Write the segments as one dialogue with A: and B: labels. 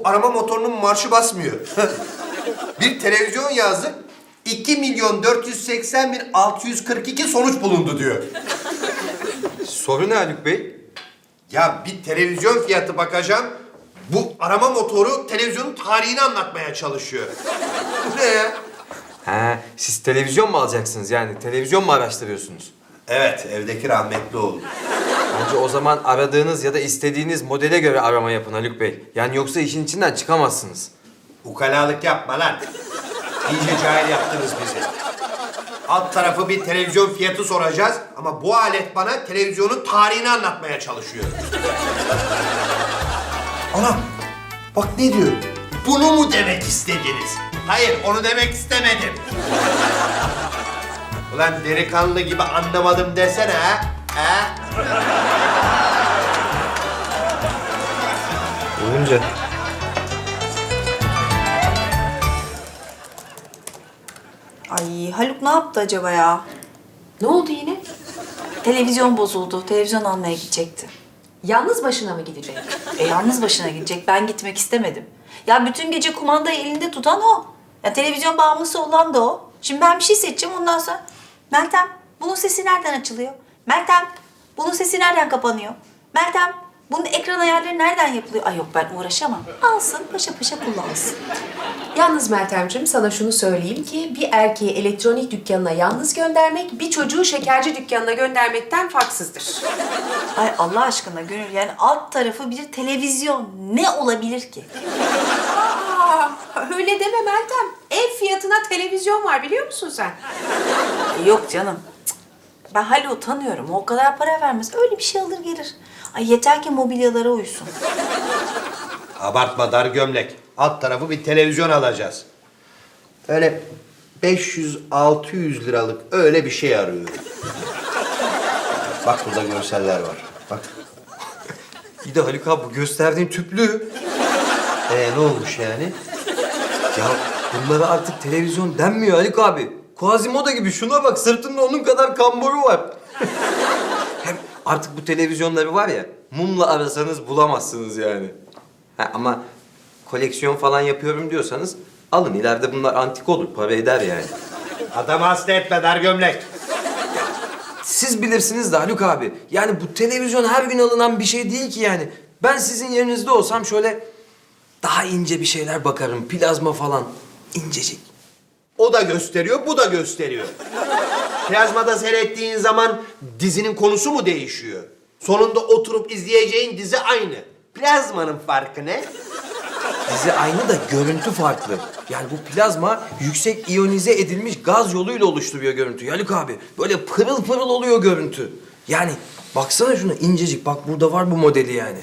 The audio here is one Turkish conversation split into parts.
A: arama motorunun marşı basmıyor. Bir televizyon yazdık. 2.480.642 sonuç bulundu diyor.
B: Soru ne Haluk Bey?
A: Ya bir televizyon fiyatı bakacağım. Bu arama motoru televizyonun tarihini anlatmaya çalışıyor. Bu ne ya?
B: Ha, siz televizyon mu alacaksınız yani? Televizyon mu araştırıyorsunuz?
A: Evet, evdeki rahmetli oldu.
B: Bence o zaman aradığınız ya da istediğiniz modele göre arama yapın Haluk Bey. Yani yoksa işin içinden çıkamazsınız.
A: Ukalalık yapma lan. İyice cahil yaptınız bizi. Alt tarafı bir televizyon fiyatı soracağız ama bu alet bana televizyonun tarihini anlatmaya çalışıyor. Anam, bak ne diyor? Bunu mu demek istediniz? Hayır, onu demek istemedim. Ulan delikanlı gibi anlamadım desene ha? Ha?
B: Olunca.
C: Ay Haluk ne yaptı acaba ya?
D: Ne oldu yine?
C: Televizyon bozuldu. Televizyon almaya gidecekti.
D: Yalnız başına mı gidecek?
C: Yalnız başına gidecek. Ben gitmek istemedim. Ya bütün gece kumandayı elinde tutan o. Ya televizyon bağımlısı olan da o. Şimdi ben bir şey seçeceğim ondan sonra. Meltem, bunun sesi nereden açılıyor? Meltem, bunun sesi nereden kapanıyor? Meltem, bunun ekran ayarları nereden yapılıyor? Ay yok ben uğraşamam. Alsın, paşa paşa kullansın.
D: Yalnız Meltemciğim sana şunu söyleyeyim ki bir erkeği elektronik dükkanına yalnız göndermek bir çocuğu şekerci dükkanına göndermekten farksızdır.
C: Ay Allah aşkına Gönül yani alt tarafı bir televizyon. Ne olabilir ki?
D: Aa, öyle deme Meltem. Ev fiyatına televizyon var biliyor musun sen?
C: Yok canım. Cık. Ben Haluk'u tanıyorum. O kadar para vermez. Öyle bir şey alır gelir. Ay yeter ki mobilyalara uysun.
A: Abartma dar gömlek. Alt tarafı bir televizyon alacağız. Öyle 500-600 liralık öyle bir şey arıyorum. Bak burada görseller var. Bak.
B: Bir de Haluk abi bu gösterdiğin tüplü.
A: Ne olmuş yani?
B: Ya bunlara artık televizyon denmiyor Haluk abi. Quasimodo gibi şuna bak sırtında onun kadar kamboru var. Hem artık bu televizyonları var ya mumla arasanız bulamazsınız yani. Ha, ama koleksiyon falan yapıyorum diyorsanız alın ileride bunlar antik olur para eder yani.
A: Adamı hasta etme dar gömlek.
B: Siz bilirsiniz de Haluk abi. Yani bu televizyon her gün alınan bir şey değil ki yani. Ben sizin yerinizde olsam şöyle daha ince bir şeyler bakarım. Plazma falan. İncecik.
A: O da gösteriyor, bu da gösteriyor. Plazmada seyrettiğin zaman dizinin konusu mu değişiyor? Sonunda oturup izleyeceğin dizi aynı. Plazmanın farkı ne?
B: Dizi aynı da görüntü farklı. Yani bu plazma yüksek iyonize edilmiş gaz yoluyla oluşturuyor görüntüyü Haluk abi. Böyle pırıl pırıl oluyor görüntü. Yani baksana şuna incecik. Bak burada var bu modeli yani.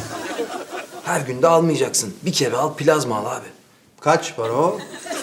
B: Her gün de almayacaksın. Bir kere al plazma al abi.
A: Kaç para o?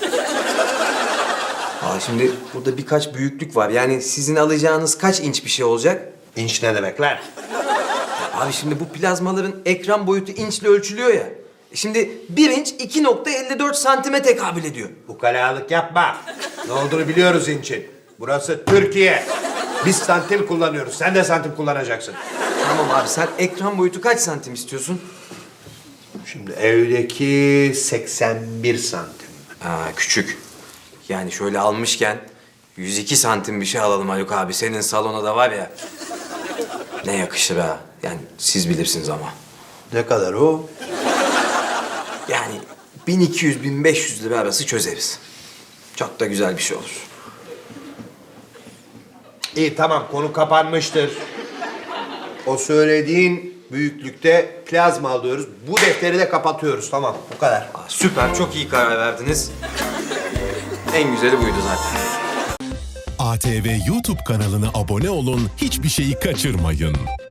B: Şimdi burada birkaç büyüklük var. Yani sizin alacağınız kaç inç bir şey olacak?
A: İnç ne demek lan?
B: Abi şimdi bu plazmaların ekran boyutu inçle ölçülüyor ya. Şimdi 1 inç 2.54 santime tekabül ediyor.
A: Ukalalık yapma. Ne olduğunu biliyoruz inçin. Burası Türkiye. Biz santim kullanıyoruz. Sen de santim kullanacaksın.
B: Tamam abi sen ekran boyutu kaç santim istiyorsun?
A: Şimdi evdeki 81 santim.
B: Küçük. Yani şöyle almışken 102 santim bir şey alalım Haluk abi. Senin salona da var ya. Ne yakışır ha. Yani siz bilirsiniz ama.
A: Ne kadar o?
B: Yani 1200-1500 lira arası çözeriz. Çok da güzel bir şey olur.
A: İyi tamam konu kapanmıştır. O söylediğin büyüklükte plazma alıyoruz. Bu defteri de kapatıyoruz tamam bu kadar.
B: Süper çok iyi karar verdiniz. En güzeli buydu zaten.
E: ATV YouTube kanalına abone olun, hiçbir şeyi kaçırmayın.